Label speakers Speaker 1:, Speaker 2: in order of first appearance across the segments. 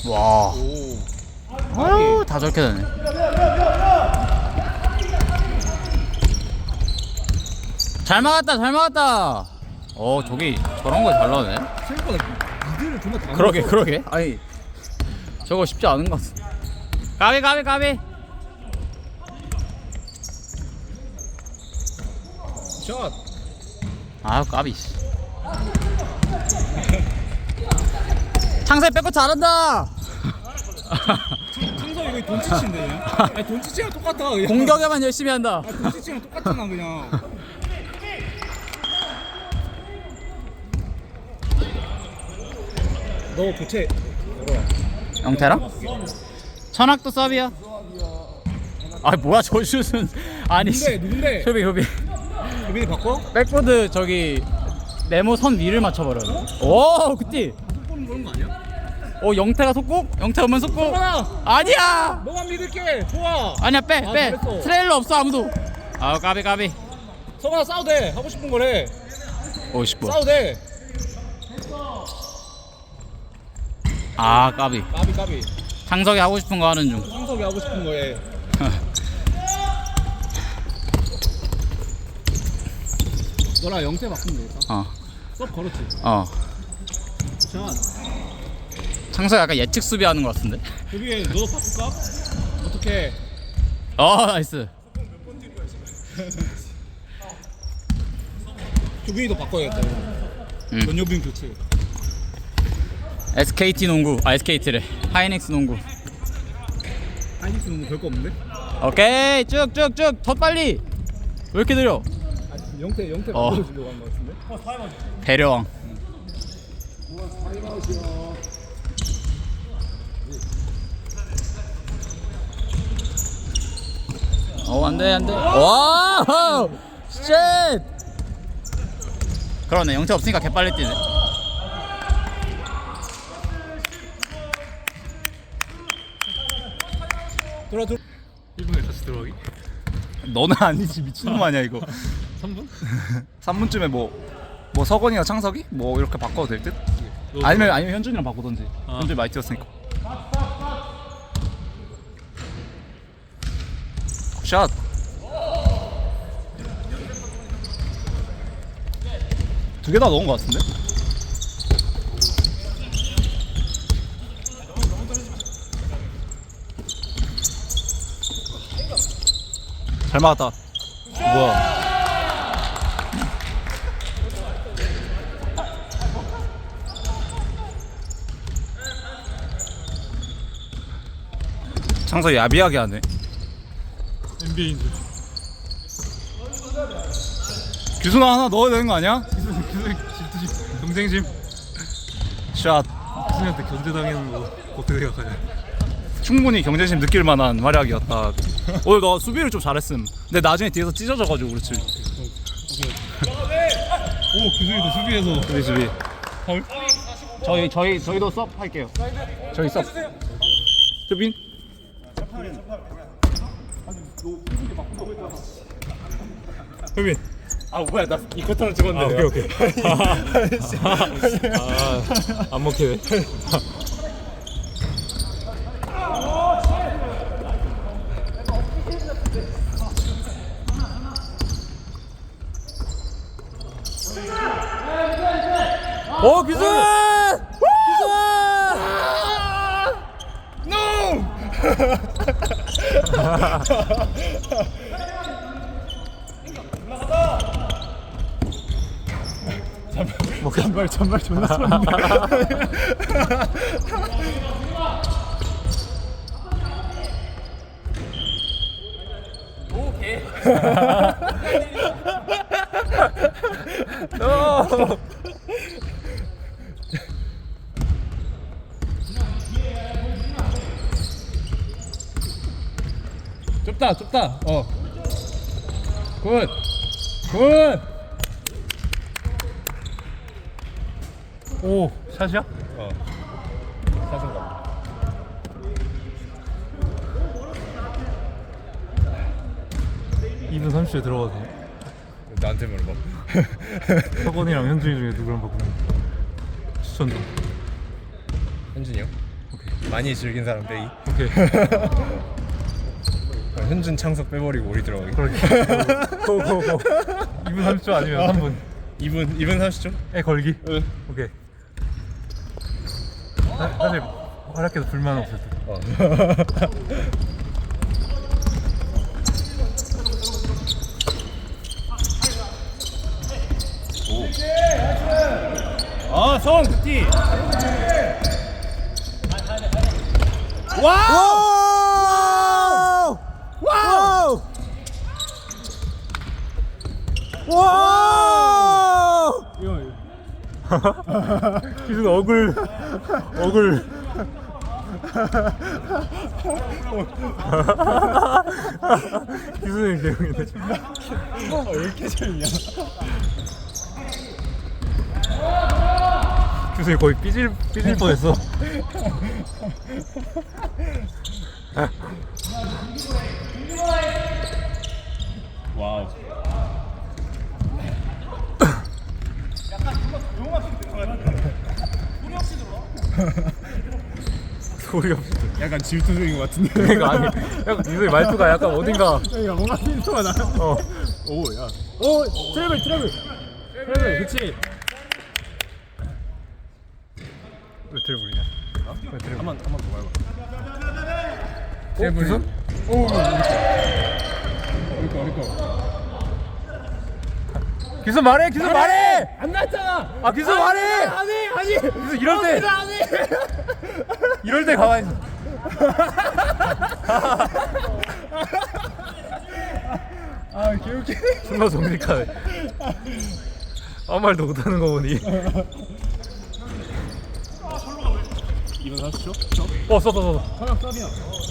Speaker 1: 와.
Speaker 2: 오.
Speaker 1: 아유, 다 저렇게 되네. 잘 막았다, 잘 막았다. 저기 저런 거 잘 나오네.
Speaker 2: 생각보다 미드를 정말 다
Speaker 1: 그러게,
Speaker 2: 넣었어.
Speaker 1: 그러게. 아니, 저거 쉽지 않은 것 같아. 가비, 가비, 가비.
Speaker 2: 샷.
Speaker 1: 아, 까비. 창세 빼고 잘한다.
Speaker 2: 창석 이거 돈치치인데 그냥. 아니 돈치치랑 똑같아 그냥.
Speaker 1: 공격에만 열심히 한다.
Speaker 2: 아 돈치치랑 똑같잖아 그냥. 너 교체 열어라.
Speaker 1: 영태랑? 천학도 서비야. 아, 뭐야 저 슛은. 아니.
Speaker 2: 누군데?
Speaker 1: 효비, 효비.
Speaker 2: 유빈이 바꿔?
Speaker 1: 백보드 저기 네모 선 위를 맞춰버려. 오, 그때.
Speaker 2: 속보는 그런 거 아니야?
Speaker 1: 영태가 속공? 영태 오면 속공?
Speaker 2: 성환아!
Speaker 1: 아니야.
Speaker 2: 너만 믿을게. 좋아.
Speaker 1: 아니야, 빼,
Speaker 2: 아,
Speaker 1: 빼.
Speaker 2: 잘했어.
Speaker 1: 트레일러 없어 아무도. 아, 까비, 까비.
Speaker 2: 성환아 싸워도 돼. 하고 싶은 거래.
Speaker 1: 50번.
Speaker 2: 싸워도 돼.
Speaker 1: 아, 까비.
Speaker 2: 까비 까비.
Speaker 1: 창석이 하고 싶은 거 하는 중.
Speaker 2: 창석이 하고 싶은 거에. 너랑 영태 바꾸면 되겠다.
Speaker 1: 어,
Speaker 2: 쏙 걸었지.
Speaker 1: 어.
Speaker 2: 자,
Speaker 1: 창석이 약간 예측 수비하는 것 같은데.
Speaker 2: 여기 너 바꿀까? 어떻게?
Speaker 1: 나이스.
Speaker 2: 조빈이도 바꿔야겠다.
Speaker 1: 응.
Speaker 2: 전효빈 교체.
Speaker 1: SKT 농구. 아, SKT래. 하이닉스 농구.
Speaker 2: 하이닉스는 뭐 별거 없는데?
Speaker 1: 오케이, 쭉쭉쭉. 더 빨리. 왜 이렇게 느려?
Speaker 2: 아, 영태
Speaker 1: 어.
Speaker 2: 바꿔주려고 한 거 같은데?
Speaker 1: 배려왕. 안돼, 안돼. 와, 쉣. 그러네, 영태 없으니까 개빨리 뛰네.
Speaker 2: 들어.
Speaker 3: 1분에 다시 들어가기?
Speaker 4: 너는 아니지 미친놈 아니야 이거
Speaker 3: 3분?
Speaker 4: 3분쯤에 뭐 서건이나 창석이? 뭐 이렇게 바꿔도 될 듯? 아니면 현준이랑 바꾸던지 현준이 많이 뛰었으니까 샷 두 개 다 넣은 거 같은데? 잘 막았다. 뭐야? 창석 야비하게 하네.
Speaker 3: NBA인 줄.
Speaker 4: 규순아 하나 넣어야 되는 거 아니야?
Speaker 3: 질투심, 경쟁심.
Speaker 4: 샷.
Speaker 3: 수준한테 견제당하는 거 어떻게 생각하냐?
Speaker 4: 충분히 경쟁심 느낄 만한 활약이었다. 오늘 너 수비를 좀 잘했음. 근데 나중에 뒤에서 찢어져가지고 그렇지.
Speaker 3: 오, 규승이도 수비에서
Speaker 4: 수비.
Speaker 1: 저희 저희도 섭 할게요. 저희 섭.
Speaker 4: 효빈.
Speaker 3: 효빈.
Speaker 4: 아 뭐야 나 이 커터는 찍었는데.
Speaker 3: 오케이. 안 먹히네.
Speaker 1: 규승!
Speaker 4: 잔말 존나 쏘는데.
Speaker 1: 오케이.
Speaker 2: 좁다.
Speaker 1: 굿. 굿.
Speaker 3: 오, 샷이야?
Speaker 2: 사승가.
Speaker 3: 2분 30초에 들어가도 돼.
Speaker 2: 나한테 물어봐.
Speaker 3: 서건이랑 현준이 중에 누구랑 바꾸면 추천 좀.
Speaker 2: 현준이 형?
Speaker 3: 오케이.
Speaker 2: 많이 즐긴 사람 빼기.
Speaker 3: 오케이.
Speaker 2: 현준 창석 빼버리고 우리 들어가기.
Speaker 3: 고고고. 2분 30초 아니면 3분.
Speaker 2: 2분 30초?
Speaker 3: 에 걸기.
Speaker 2: 응.
Speaker 3: 오케이. 사실 활약해도 불만 없을 듯.
Speaker 2: 성 굿티.
Speaker 1: 와우! 와우! 와우!
Speaker 3: 기준 억울. 기준이 개용이네.
Speaker 2: 왜 이렇게 재밌냐?
Speaker 3: 기준이 거의 삐질 뻔했어.
Speaker 2: 와우.
Speaker 3: 소리 없이.
Speaker 2: 약간 질투적인 것 같은데.
Speaker 3: 그러니까 아니. 약간 기준이 말투가 약간 어딘가.
Speaker 2: 그러니까 뭔가 힌트가 나.
Speaker 3: 어.
Speaker 2: 오, 야. 오, 트래블. 그렇지.
Speaker 3: 왜 트래블이냐? 왜 트래블?
Speaker 2: 한번 더 밟아.
Speaker 3: 트래블이?
Speaker 2: 오, 우리 거.
Speaker 3: 기준 말해.
Speaker 2: 안 났잖아.
Speaker 3: 아 기준 말해.
Speaker 2: 아니.
Speaker 3: 기준 이럴 때 가만히 있어.
Speaker 2: 아, 개웃기.
Speaker 3: 존나 정직하네. 아무 말도 못하는 거 보니.
Speaker 2: 2분 30초?
Speaker 3: 어 써.
Speaker 2: 하나 서비야.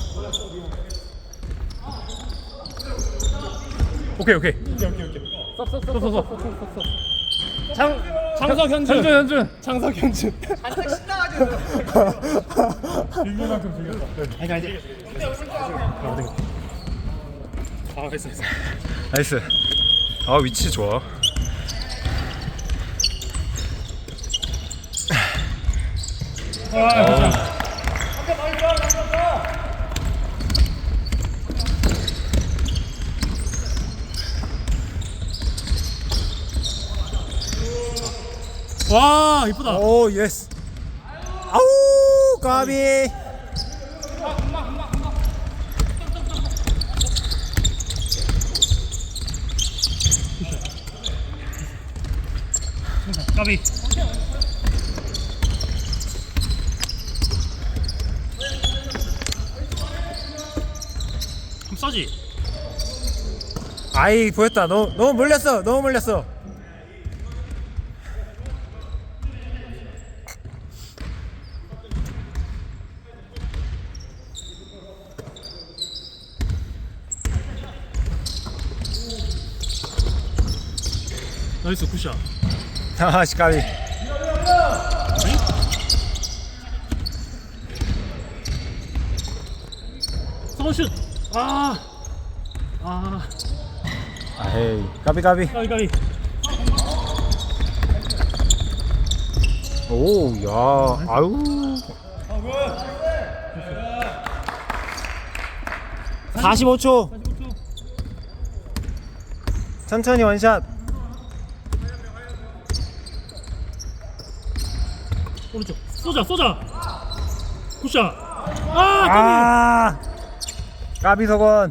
Speaker 3: 오케이. 써.
Speaker 2: 창석 현준.
Speaker 3: 현준.
Speaker 2: 빌미만큼 즐겼다.
Speaker 3: 나이스. 아 위치 좋아.
Speaker 2: 와, 이쁘다.
Speaker 1: 오, 예스. 아우, 까비.
Speaker 2: 까비. 그럼 써지.
Speaker 1: 아이, 보였다. 너무 몰렸어.
Speaker 2: 나이스 굿샷.
Speaker 1: 아씨, 까비.
Speaker 2: 서슛.
Speaker 1: 아헤이, 까비.
Speaker 2: 까비.
Speaker 1: 오, 야, 아유. 45초. 천천히 원샷.
Speaker 2: 오른쪽. 쏘자. 굿샷.
Speaker 1: 까비 석원.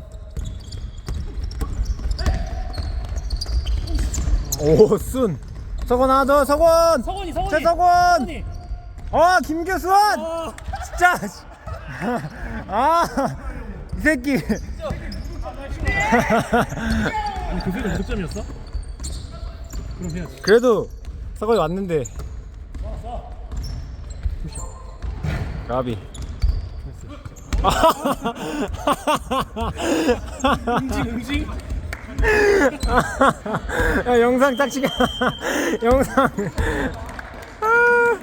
Speaker 1: 오, 순. 석원 하나 더, 석원.
Speaker 2: 서건이.
Speaker 1: 최석원. 김규수원. 진짜. 이 새끼.
Speaker 2: 아니, 그 새끼 몇 점이었어? 그럼 해야지.
Speaker 1: 그래도 석원이 왔는데. 까비.
Speaker 2: 응징.
Speaker 1: 야, 영상 딱 찍어. 영상.